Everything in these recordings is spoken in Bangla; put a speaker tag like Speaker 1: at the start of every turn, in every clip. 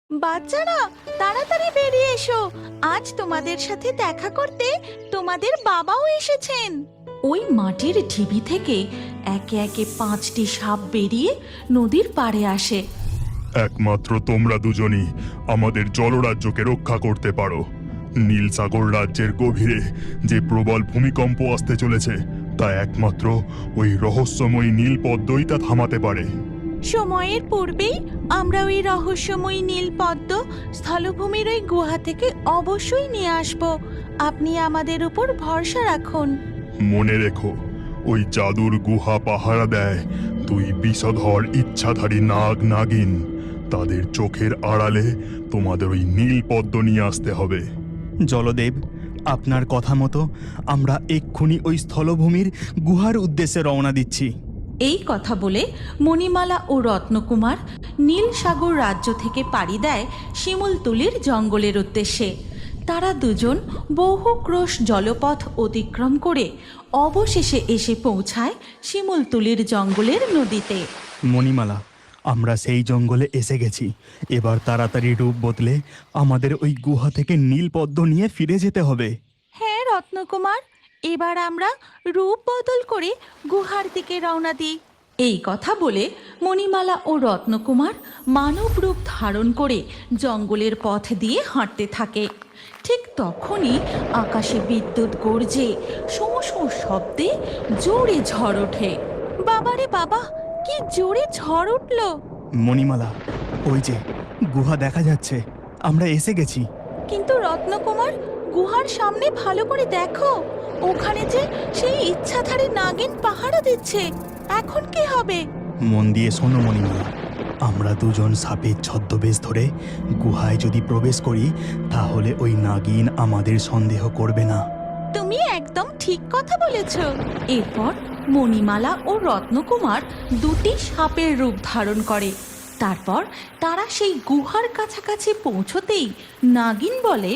Speaker 1: বাচ্চারা, তাড়াতাড়ি বেরিয়ে এসো, আজ তোমাদের সাথে দেখা করতে তোমাদের বাবাও এসেছেন। ওই মাটির ঢিবি থেকে একে একে 5টি সাপ বেরিয়ে নদীর পাড়ে আসে।
Speaker 2: একমাত্র তোমরা দুজনই আমাদের জলরাজ্যকে রক্ষা করতে পারো। নীল সাগর রাজ্যের গভীরে যে প্রবল ভূমিকম্প আসতে চলেছে তা একমাত্র ওই রহস্যময়ী নীল পদ্মই তা থামাতে পারে।
Speaker 1: সময়ের পূর্বেই আমরা ওই রহস্যময়ী নীল পদ্ম স্থলভূমির ওই গুহা থেকে অবশ্যই নিয়ে আসব। আপনি আমাদের উপর ভরসা রাখুন।
Speaker 2: মনে রেখো, ওই জাদুর গুহা পাহারা দেয় 2 বিষধর ইচ্ছাধারী নাগ নাগিন। তাদের চোখের আড়ালে তোমাদের ওই নীল পদ্ম নিয়ে আসতে হবে।
Speaker 3: জলদেব, আপনার কথা মতো আমরা এক্ষুনি ওই স্থলভূমির গুহার উদ্দেশ্যে রওনা দিচ্ছি।
Speaker 1: এই কথা বলে মণিমালা ও রত্নকুমার নীল সাগর রাজ্য থেকে পাড়ি দেয় শিমুলতলির জঙ্গলের উদ্দেশ্যে। তারা দুজন বহু ক্রোশ জলপথ অতিক্রম করে অবশেষে এসে পৌঁছায় শিমুলতলির জঙ্গলের নদীতে।
Speaker 3: মণিমালা, আমরা সেই জঙ্গলে এসে গেছি। এবার তাড়াতাড়ি রূপ বদলে আমাদের ওই গুহা থেকে নীল পদ্ম নিয়ে ফিরে যেতে হবে।
Speaker 1: হ্যাঁ রত্নকুমার, এবার আমরা রূপ বদল করে গুহার দিকে রওনা দিই। এই কথা বলে মণিমালা ও রত্নকুমার মানব রূপ ধারণ করে জঙ্গলের পথ দিয়ে হাঁটতে থাকে। ঠিক তখনই আকাশে বিদ্যুৎ গর্জে শোঁ শোঁ শব্দে জোরে ঝড় ওঠে। বাবারে বাবা, কি জোরে ঝড় উঠল!
Speaker 3: মণিমালা, ওই যে গুহা দেখা যাচ্ছে, আমরা এসে গেছি।
Speaker 1: কিন্তু রত্নকুমার, গুহার সামনে ভালো করে দেখো, ওখানে যে সেই ইচ্ছাধারী নাগিন পাহারা দিচ্ছে। এখন কি হবে?
Speaker 3: মন দিয়ে শোনো মণিমালা, আমরা দুজন সাপের ছদ্মবেশ ধরে গুহায় যদি প্রবেশ করি তাহলে ওই নাগিন আমাদের সন্দেহ করবে না।
Speaker 1: তুমি একদম ঠিক কথা বলেছ। এরপর মণিমালা ও রত্নকুমার 2টি সাপের রূপ ধারণ করে। তারপর তারা সেই গুহার কাছাকাছি পৌঁছতেই নাগিন বলে,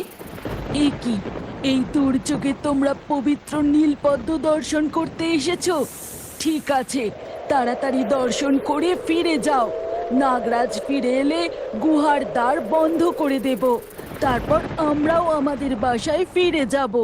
Speaker 1: এ কি, এই দুর্যোগে তোমরা পবিত্র নীলপদ্ম দর্শন করতে এসেছো? ঠিক আছে, তাড়াতাড়ি দর্শন করে ফিরে যাও। নাগরাজ ফিরে এলে গুহার দ্বার বন্ধ করে দেব, তারপর আমরাও আমাদের বাসায় ফিরে যাব।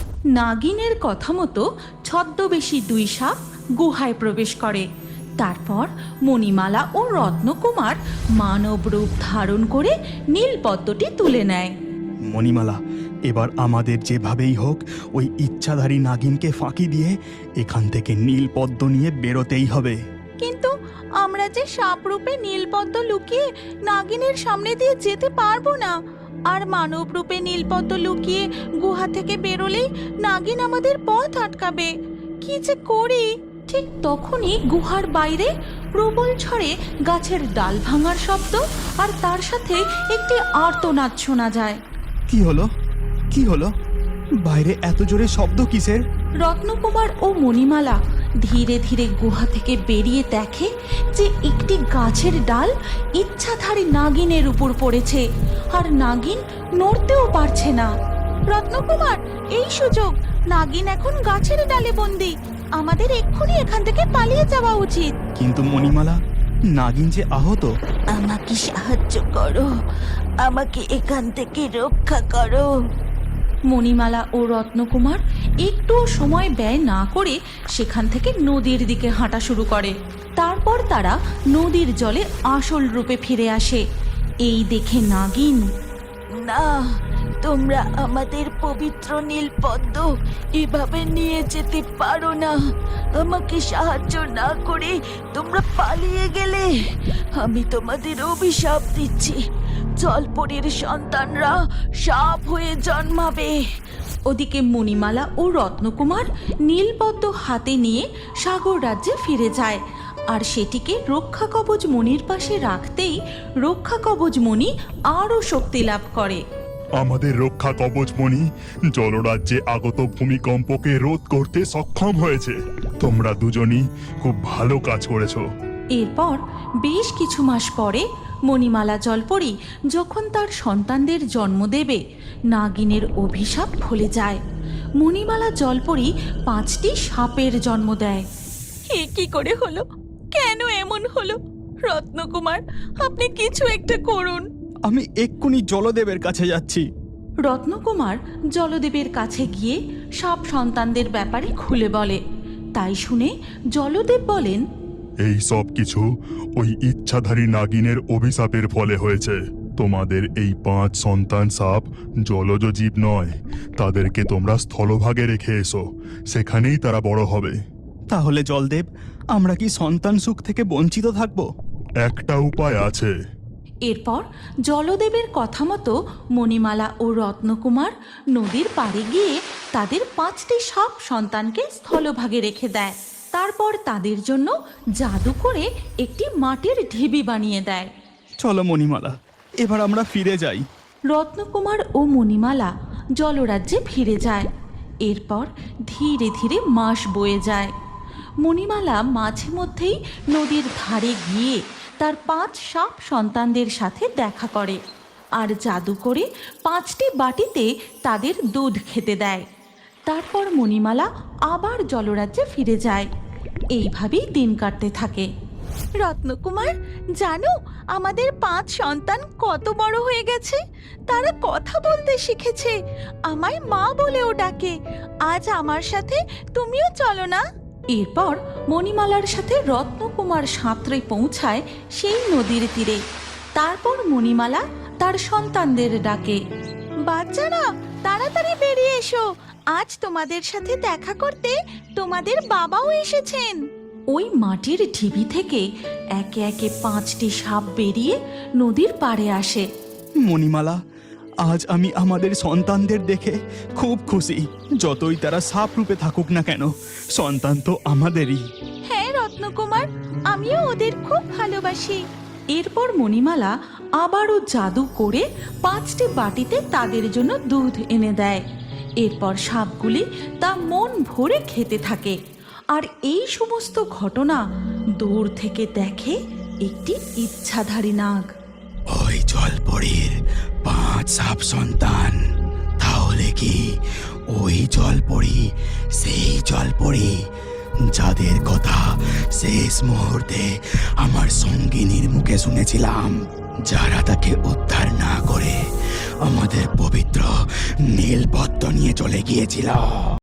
Speaker 1: নাগিনের কথা মতো ছদ্মবেশী 2 সাপ গুহায় প্রবেশ করে। তারপর মণিমালা ও রত্নকুমার মানব রূপ ধারণ করে নীলপদ্মটি তুলে নেয়।
Speaker 3: মণিমালা, এবার আমাদের যেভাবেই হোক ওই ইচ্ছাধারী নাগিনকে ফাঁকি দিয়ে এখান থেকে নীল পদ্ম নিয়ে বেরোতেই হবে।
Speaker 1: কিন্তু আমরা যে সাপ রূপে নীলপদ্ম লুকিয়ে নাগিনের সামনে দিয়ে যেতে পারবো না, আর মানব রূপে নীলপদ্ম লুকিয়ে গুহা থেকে বেরোলেই নাগিন আমাদের পথ আটকাবে। কি যে করি! ঠিক তখনই গুহার বাইরে প্রবল ঝড়ে গাছের ডাল ভাঙার শব্দ আর তার সাথে একটি আর্তনাদ শোনা যায়।
Speaker 3: কি হলো? কি হলো? বাইরে এত জোরে শব্দ কিসের?
Speaker 1: রত্নকুমার ও মণিমালা ধীরে ধীরে গুহা থেকে বেরিয়ে দেখে যে একটি গাছের ডাল ইচ্ছাধারী নাগিনের উপর পড়েছে, আর নাগিন নড়তেও পারছে না। রত্নকুমার, এই সুযোগ, নাগিন এখন গাছের ডালে বন্দি। আমাদের এক্ষুনি এখান থেকে পালিয়ে যাওয়া উচিত।
Speaker 3: কিন্তু মণিমালা, নাগিন যে আহত।
Speaker 1: আমাকে সাহায্য করো, আমাকে এখান থেকে রক্ষা করো। মণিমালা ও রত্নকুমার একটুও সময় ব্যয় না করে সেখান থেকে নদীর দিকে হাঁটা শুরু করে। তারপর তারা নদীর জলে আসল রূপে ফিরে আসে। এই দেখে নাগিন, না, তোমরা আমাদের পবিত্র নীলপদ্ম এভাবে নিয়ে যেতে পারো না। আমাকে সাহায্য না করে তোমরা পালিয়ে গেলে আমি তোমাদের অভিশাপ দিচ্ছি, জলপরীর সন্তানরা সাপ হয়ে জন্মাবে। ওদিকে মণিমালা ও রত্নকুমার নীলপদ্ম হাতে নিয়ে সাগর রাজ্যে ফিরে যায়, আর সেটিকে রক্ষা কবচ মণির পাশে রাখতেই রক্ষা কবচ মণি আরও শক্তি লাভ করে।
Speaker 2: আমাদের রক্ষা কবচমণি জলরাজ্যে আগত ভূমিকম্পকে রোধ করতে সক্ষম হয়েছে। তোমরা দুজনই খুব ভালো কাজ করেছো।
Speaker 1: এরপর বেশ কিছু মাস পরে মণিমালা জলপরী যখন তার সন্তানদের জন্ম দেবে, নাগিনের অভিশাপ ফলে যায়। মণিমালা জলপরী 5টি সাপের জন্ম দেয়। এ কি করে হলো? কেন এমন হলো? রত্নকুমার, আপনি কিছু একটা করুন।
Speaker 3: আমি এক্ষুনি জলদেবের কাছে যাচ্ছি।
Speaker 1: রত্নকুমার জলদেবের কাছে গিয়ে সাপ সন্তানদের ব্যাপারে খুলে বলে। তাই শুনে জলদেব বলেন,
Speaker 2: এই সব কিছু ওই ইচ্ছাধারী নাগিনের অভিশাপের ফলে হয়েছে। তোমাদের এই 5 সন্তান সাপ জলজ জীব নয়, তাদেরকে তোমরা স্থলভাগে রেখে এসো, সেখানেই তারা বড় হবে।
Speaker 3: তাহলে জলদেব, আমরা কি সন্তান সুখ থেকে বঞ্চিত থাকব?
Speaker 2: একটা উপায় আছে।
Speaker 1: এরপর জলদেবের কথা মতো মণিমালা ও রত্নকুমার নদীর পাড়ে গিয়ে তাদের 5টি সাপ সন্তানকে স্থলভাগে রেখে দেয়। তারপর তাদের জন্য জাদু করে একটি মাটির ঢিবি বানিয়ে দেয়।
Speaker 3: চলো মণিমালা, এবার আমরা ফিরে যাই।
Speaker 1: রত্নকুমার ও মণিমালা জলরাজ্যে ফিরে যায়। এরপর ধীরে ধীরে মাস বয়ে যায়। মণিমালা মাঝে মধ্যেই নদীর ধারে গিয়ে তার 5 সাপ সন্তানদের সাথে দেখা করে আর জাদু করে 5টি বাটিতে তাদের দুধ খেতে দেয়। তারপর মণিমালা আবার জলরাজ্যে ফিরে যায়। এইভাবেই দিন কাটতে থাকে। রত্নকুমার, জানো আমাদের 5 সন্তান কত বড় হয়ে গেছে? তারা কথা বলতে শিখেছে, আমায় মা বলেও ডাকে। আজ আমার সাথে তুমিও চলো না? এরপর মণিমালার সাথে রত্নকুমার সাঁতরে পৌঁছায় সেই নদীর তীরে। তারপর মণিমালা তার সন্তানদের ডাকে, বাচ্চারা তাড়াতাড়ি বেরিয়ে এসো, আজ তোমাদের সাথে দেখা করতে তোমাদের বাবাও এসেছেন। ওই মাটির ঢিবি থেকে একে একে 5টি সাপ বেরিয়ে নদীর পাড়ে আসে।
Speaker 3: মণিমালা, আজ আমি আমাদের সন্তানদের দেখে খুব খুশি। যতই তারা সাপ রূপে থাকুক না কেন, সন্তান তো আমাদেরই।
Speaker 1: হ্যাঁ রত্নকুমার, আমিও ওদের খুব ভালোবাসি। এরপর মণিমালা আবারও জাদু করে 5টি বাটিতে তাদের জন্য দুধ এনে দেয়। এরপর সাপগুলি তা মন ভরে খেতে থাকে। আর এই সমস্ত ঘটনা দূর থেকে দেখে একটি ইচ্ছাধারী নাগ।
Speaker 3: ওই জলপরীর 5 সাপ সন্তান, তাহলে কি ওই জলপরী সেই জলপরী যাদের কথা শেষ মুহূর্তে আমার সঙ্গিনীর মুখে শুনেছিলাম, যারা তাকে উদ্ধার না করে আমাদের পবিত্র নীলপদ্ম নিয়ে চলে গিয়েছিল?